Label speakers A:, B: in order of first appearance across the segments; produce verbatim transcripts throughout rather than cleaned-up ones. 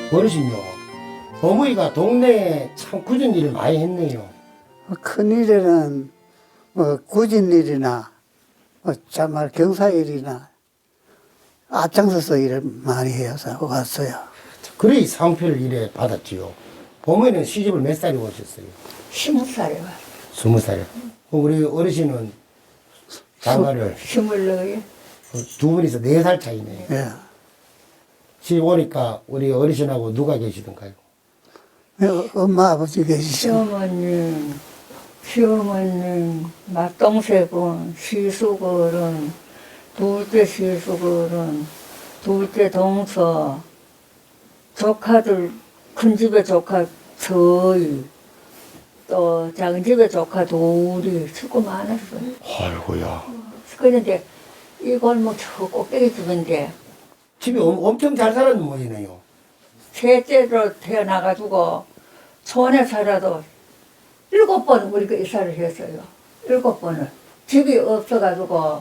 A: 어르신요, 어머니가 동네에 참 굳은 일을 많이 했네요.
B: 큰일에는 뭐 굳은 일이나 뭐 참말 경사일이나 앞장서서 일을 많이 해서 왔어요.
A: 그래 상표를 이래 받았지요. 어머니는 시집을 몇 살에 오셨어요?
C: 스무 살에 왔어.
A: 스무 살에. 우리 어르신은 장가를
C: 스물네.
A: 두 분이서 네 살 차이네요.
B: 예.
A: 집 오니까 우리 어르신하고 누가 계시던가요?
B: 어, 엄마 아버지 계시죠?
C: 시어머님, 시어머님, 맏동생은, 시수거는, 둘째 시수거는, 둘째 동서, 조카들, 큰 집에 조카 저희, 또 작은 집에 조카 둘이 수고 많았어요.
A: 아이고야.
C: 그런데 이 골목 저 꼭대기 집인데
A: 집이 엄, 엄청 잘 살았는 모이네요.
C: 셋째로 태어나가지고 촌에 살아도 일곱 번 우리가 이사를 했어요. 일곱 번을. 집이 없어가지고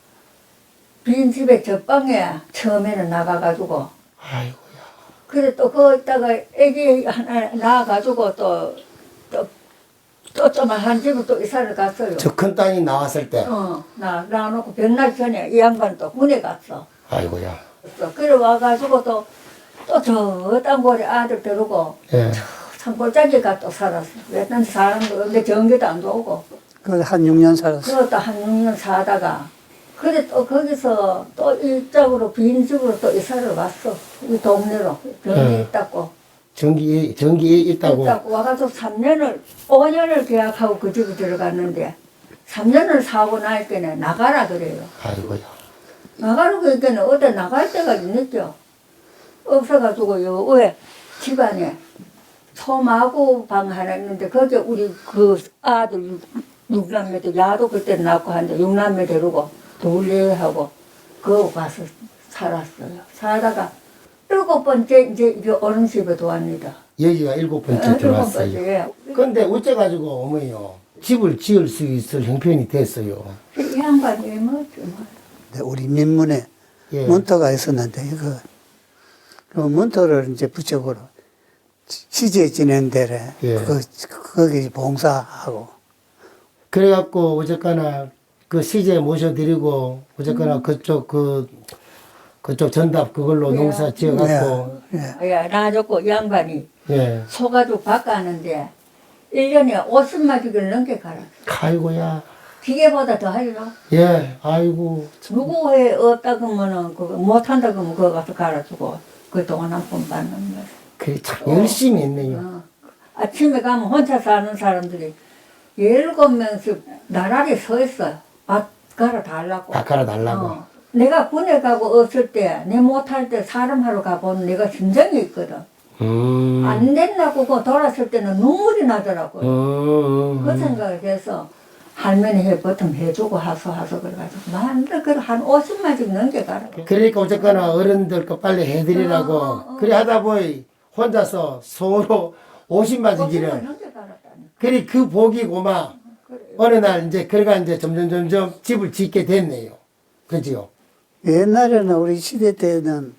C: 빈집에 저방에 처음에는 나가가지고
A: 아이고야.
C: 그래 또 거기다가 애기 하나 낳아가지고 또 또 또 조그만 집을 또 이사를 갔어요.
A: 저 큰 땅이 나왔을 때.
C: 어, 나 낳아놓고 백날 전에 이 양반 또 군에 갔어.
A: 아이고야.
C: 그래 와가지고 또 또 저 땅굴에 아들 데리고
A: 예.
C: 산골짜기 가또 살았어. 왜냐면 사람도 없는데 전기도 안 들어오고.
B: 그한 육 년 살았어요.
C: 그것도 한 육 년 사다가 그래 또 거기서 또 이쪽으로 빈집으로 또 이사를 왔어. 이 동네로 병이
A: 네.
C: 있다고.
A: 전기, 전기 있다고.
C: 있다고 와가지고 삼 년을 오 년을 계약하고 그 집에 들어갔는데 삼 년을 사고 나니까 나가라 그래요.
A: 아이고야.
C: 나가라고 그러니까 어디 나갈 데가 있겠죠. 없어가지고 요 왜 집안에 소마구 방 하나 있는데 거기 우리 그 아들 육남매들 야도 그때 낳고 한데 육남매 데리고 둘레하고 그거 가서 살았어요. 살다가 일곱 번째 이제 이게 어른 집에 도왔니다.
A: 여기가 일곱 번째
C: 일곱
A: 들어왔어요.
C: 번째.
A: 근데 어째가지고 어머니요, 집을 지을 수 있을 형편이 됐어요.
C: 이 양반이 왜 뭐지 뭐.
B: 근데 우리 민문에
A: 예.
B: 문터가 있었는데 이거 그 문터를 이제 부적으로 시제 지낸 데래
A: 예.
B: 그 거기 봉사하고
A: 그래갖고 어쨌거나 그 시제 모셔드리고 어쨌거나 그쪽 그 그쪽 전답 그걸로
C: 예.
A: 농사 지어갖고
B: 예.
C: 야, 나줬고 이 양반이
A: 예.
C: 소가죽 바꾸는데 일 년에 오십만 주기를 넘게 갈아.
A: 아이고야.
C: 기계보다 더 하리라.
A: 예. 아이고.
C: 누구 회 없다 그러면은 그거 못한다 그러면 그거 가서 갈아주고 그 돈 한 푼 받는 거야.
A: 그래 참 열심히 했네요.
C: 어. 아침에 가면 혼자 사는 사람들이 열일곱 명씩 나란히 서 있어요. 밥 갈아 달라고.
A: 다 갈아달라고.
C: 어. 내가 군에 가고 없을 때, 내 못할 때 사람 하러 가보는 내가 심정이 있거든.
A: 음.
C: 안 된다고 그거 돌았을 때는 눈물이 나더라고요.
A: 음.
C: 그 생각을 해서 할머니 해 보통 해주고 하소 하소 그래가지고 만들 그한 오십만 씩 넘게 가라.
A: 그러니까 어쨌거나 어른들 거 빨리 해드리라고
C: 어, 어, 어.
A: 그래 하다 보니 혼자서 서로 오십만
C: 오십만
A: 지기를
C: 넘게 갈았다니.
A: 그래 그 복이 고마
C: 그래.
A: 어느 날 이제 그래가 이제 점점 점점 집을 짓게 됐네요. 그지요?
B: 옛날에는 우리 시대 때는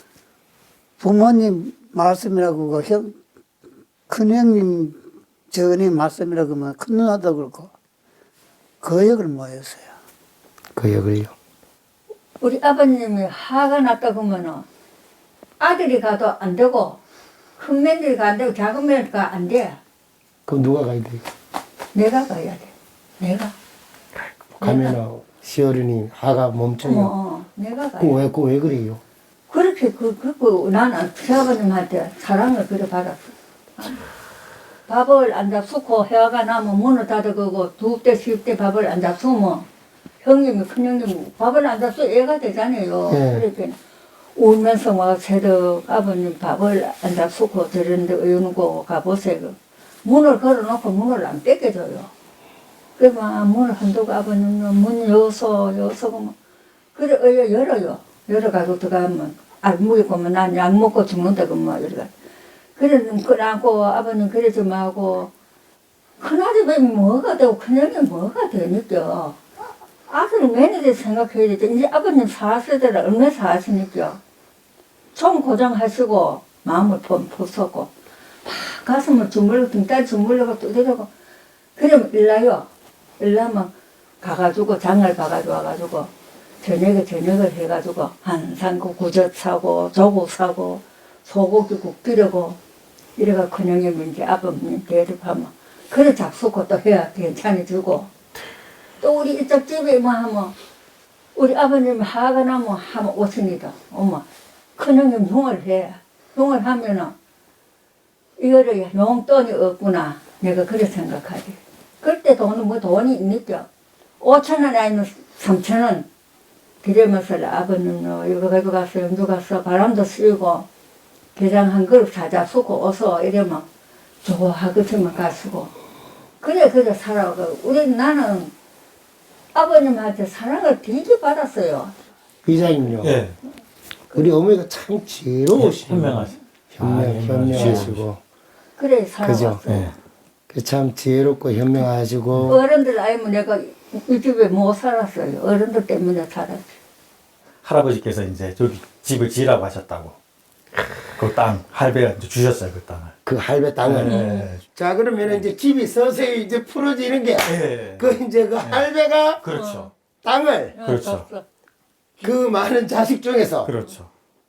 B: 부모님 말씀이라고 그 형, 큰형님 저님 말씀이라고 하면 큰 누나도 그렇고 거역을 모였어요.
A: 그 역을요.
C: 우리 아버님이 화가 났다 그러면은 아들이 가도 안 되고 큰 며느리가 안 되고 작은 며느리가 안 돼.
A: 그럼 누가 가야 돼요?
C: 내가 가야 돼. 내가.
A: 가면은 시어른이 하가
C: 어,
A: 멈춰요.
C: 어, 내가 가야 돼.
A: 그왜 그 왜 그래요?
C: 그렇게 그, 그, 나는 시아버님한테 사랑을 그래 받았어. 밥을 안 잡수고 해가 나면 문을 닫아그고 두 대, 십 대 밥을 안 잡수면 형님이, 큰형님이 밥을 안 잡수 애가 되잖아요.
A: 네.
C: 그렇게 울면서 막 새벽 아버님 밥을 안 잡수고 저런데 의원고 가보세요. 문을 걸어놓고 문을 안 뺏겨줘요. 그래서 아, 문을 흔들고 아버님은 문 여서, 여서 보면 그래, 어, 열어요. 열어가지고 들어가면, 알무기 보면 난 약 먹고 죽는다, 그러면, 이래가. 그래, 끌안고 아버님 그래 좀 하고, 큰아들이 뭐가 되고, 큰형이 뭐가 되니까. 아들 매니저 생각해야 되지. 이제 아버님 사세대라 얼마 사시니까. 총 고정하시고, 마음을 포서고 막 가슴을 주물러 등다리 주물러고 두드리고 그러면 일나요. 일나면 가가지고 장을 봐가지고 와가지고 저녁에 저녁을 해가지고 한상구 구젓 사고 조국 사고 소고기국 끓이고 이래가 큰형님 이제 아버님 대접하면 그래 잡수고 또 해야 괜찮아지고 또 우리 이쪽 집에 뭐 하면 우리 아버님 하가 나면 하면 오십니다. 엄마 큰형님 흉을 해. 흉을 하면은 이거를 용돈이 없구나. 내가 그래 생각하지. 그때 돈은 뭐 돈이 있니까 오천 원 아니면 삼천 원 드리면서 아버님은 이거 가지고 가서 연주 가서 바람도 쐬고 게장 한 그릇 사자 쓰고 어서 이러면 좋아하겠지만 가시고 그래 그래 살아가고 우리 나는 아버님한테 사랑을 되게 받았어요.
A: 이사님요.
D: 예.
A: 우리 어머니가 참 지혜로우시고
D: 현명하시.
A: 현명,
D: 아,
A: 현명하시고
C: 그래 살아왔어요.
D: 예.
A: 그 참 지혜롭고 현명하시고
C: 어른들 아니면 내가 이 집에 못 살았어요. 어른들 때문에 살았지.
D: 할아버지께서 이제 저기 집을 지으라고 하셨다고. 그 땅 할배가 이제 주셨어요 그 땅을.
A: 그 할배 땅을.
D: 예.
A: 자 그러면 이제 집이 서서히 이제 풀어지는 게
D: 예.
A: 그 이제 그 할배가
D: 그렇죠.
A: 땅을
D: 그렇죠.
C: 어,
A: 그 많은 자식 중에서
D: 그렇죠.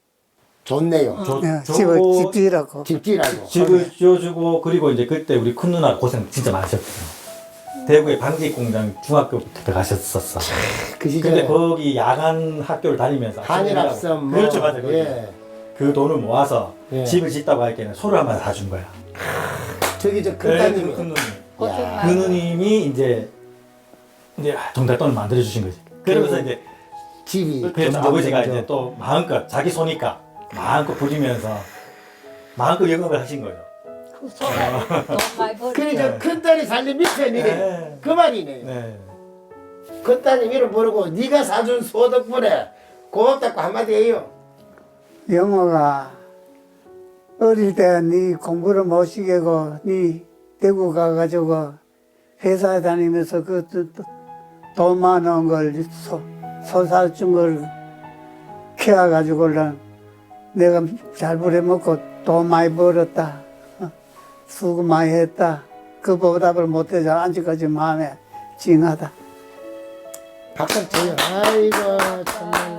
A: 줬네요.
D: 저,
B: 예,
D: 저
B: 집을 집지라고.
A: 집지라고.
D: 집을 지어주고 그리고 이제 그때 우리 큰 누나 고생 진짜 많으셨거든요. 대구의 방직 공장 중학교부터 들어가셨었어.
A: 그 시절에
D: 근데 거기 야간 학교를 다니면서
A: 한일합선 뭐,
D: 그렇죠 맞아요. 그렇죠.
A: 예.
D: 그 돈을 모아서
A: 예.
D: 집을 짓다고 할 때는 소를 한 번 사준 거야.
A: 저기 저
D: 네,
A: 큰따님이
D: 큰 누님.
C: 고생
A: 야.
D: 그
C: 많이
D: 누님이 이제 이제 정달 돈을 만들어 주신 거지. 그러면서
A: 그
D: 이제
A: 집이
D: 그래서
A: 점점
D: 아버지가
A: 점점
D: 이제 또 마음껏 자기 소니까 마음껏 부리면서 마음껏 영업을 하신 거죠.
C: 그 소가 돈 많이 벌.
A: 그래 저 큰딸이 살림 밑에니
D: 네.
A: 그 말이네요.
D: 네.
A: 큰딸이 이름 모르고 네가 사준 소 덕분에 고맙다고 한마디 해요.
B: 영호가 어릴 때 네 공부를 못 시키고 네 대구 가가지고 회사에 다니면서 그 돈 많은 걸 소, 소사준 걸 키워가지고 내가 잘 부려먹고 돈 많이 벌었다. 어, 수고 많이 했다. 그 보답을 못해서 아직까지 마음에 찡하다.
A: 박수 쳐요. 아이고 참.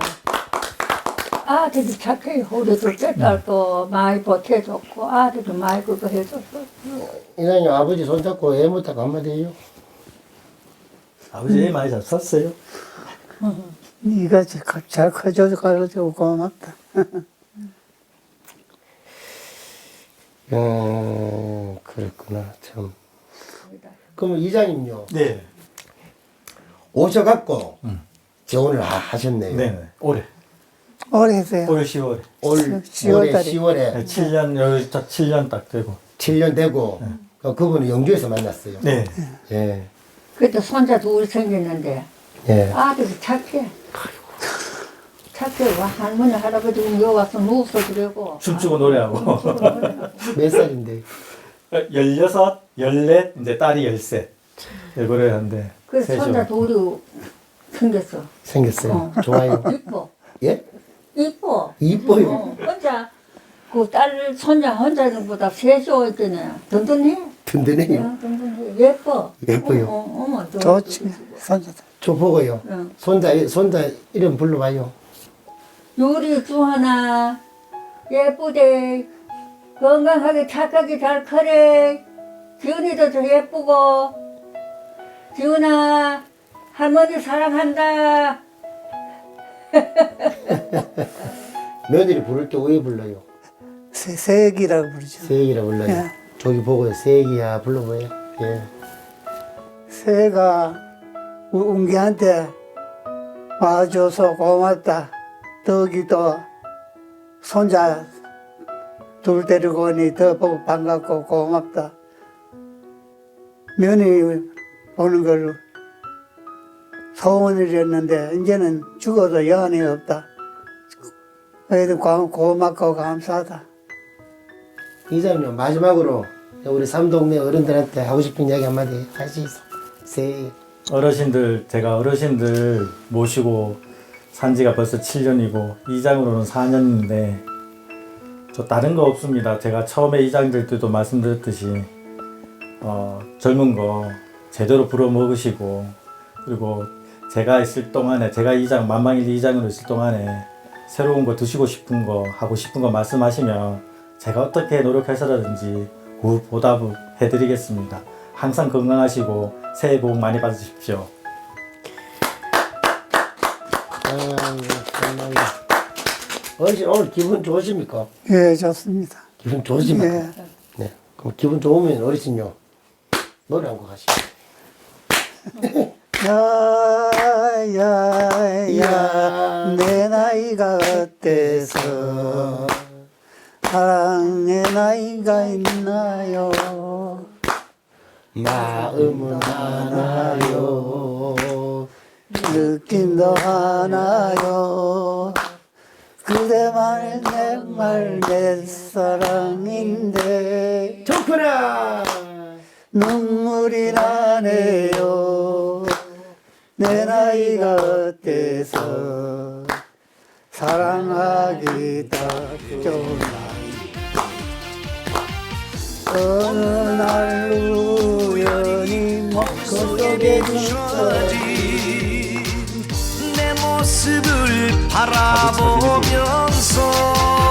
C: 아들이 착해. 우리 둘째 딸도 많이 보태줬고 아들도 많이 그거 해줬어.
A: 이사님 아버지 손잡고 애 못하고 한마디 해요.
D: 아버지 애 많이 잘 썼어요.
B: 네가 잘 커줘서 가르쳐고 고맙다.
A: 음 그랬구나 참. 그럼 이장님요
D: 네.
A: 오셔갖고
D: 음.
A: 재혼을 하- 하셨네요.
D: 네. 올해
B: 오래 했어요.
D: 올 시월에
A: 올
B: 시월
A: 올해
B: 달에.
A: 시월에
D: 네, 칠 년 여기 딱 칠 년 딱 되고.
A: 칠 년 되고 어, 그분은 영주에서 만났어요.
D: 네.
A: 예.
C: 그때 손자 둘 생겼는데
A: 예.
C: 아들이 착해. 착해. 와 할머니 할아버지 여기 와서 누워서 그러고.
D: 춤추고 노래하고.
A: 몇 살인데?
D: 열여섯, 열넷, 이제 딸이 열셋. 그래 하는데.
C: 그래서
D: 셋이요.
C: 손자 둘이 생겼어.
A: 생겼어요.
C: 어.
A: 좋아요.
C: 이뻐.
A: 예?
C: 이뻐.
A: 이뻐요.
C: 어, 혼자 그 딸 손자 혼자는 보다 셋이 올 때는 든든해.
A: 든든해요.
C: 야, 든든해. 예뻐.
A: 예뻐요.
C: 어, 어, 어머, 너.
B: 좋지. 손자들.
A: 저 보고요.
C: 응.
A: 손자 손자 이름 불러봐요.
C: 요리 주하나 예쁘대. 건강하게 착하게 잘 커래. 지훈이도 더 예쁘고. 지훈아 할머니 사랑한다.
A: 며느리 부를 때 왜 불러요?
B: 새, 새기라고 부르죠.
A: 세기라 불러요.
B: 예.
A: 저기 보고요. 세기야 불러봐요. 예.
B: 새가 우- 웅기한테 와줘서 고맙다. 덕이도 손자 둘 데리고 오니 더 보고 반갑고 고맙다. 며느리 보는 걸 소원이랬는데 이제는 죽어도 여한이 없다. 그래도 고- 고맙고 감사하다.
A: 이장님 마지막으로 우리 삼동네 어른들한테 하고 싶은 이야기 한마디 하시죠. 세.
D: 어르신들, 제가 어르신들 모시고 산 지가 벌써 칠 년이고, 이장으로는 사 년인데, 저 다른 거 없습니다. 제가 처음에 이장들 때도 말씀드렸듯이 어, 젊은 거 제대로 불어 먹으시고 그리고 제가 있을 동안에 제가 이장 만방일 이장으로 있을 동안에 새로운 거 드시고 싶은 거 하고 싶은 거 말씀하시면 제가 어떻게 노력해서라든지 그 보답을 해드리겠습니다. 항상 건강하시고 새해 복 많이 받으십시오.
A: 아이고, 정말. 어르신 오늘 기분 좋으십니까?
B: 예, 좋습니다.
A: 기분 좋으십니까?
B: 예.
A: 네. 그럼 기분 좋으면 어르신요 노래 한 곡 하시죠.
B: 야야야 내 나이가 어때서 사랑의 나이가 있나요?
A: 마음은 하나요.
B: 느낌도 하나요. 그대만의 내말 내 사랑인데
A: 좋구나.
B: 눈물이 나네요. 내 나이가 어때서 사랑하기 딱 좋은 나이. 어느 날 우연히 목소 속에 주어진
E: 내 모습을 바라보면서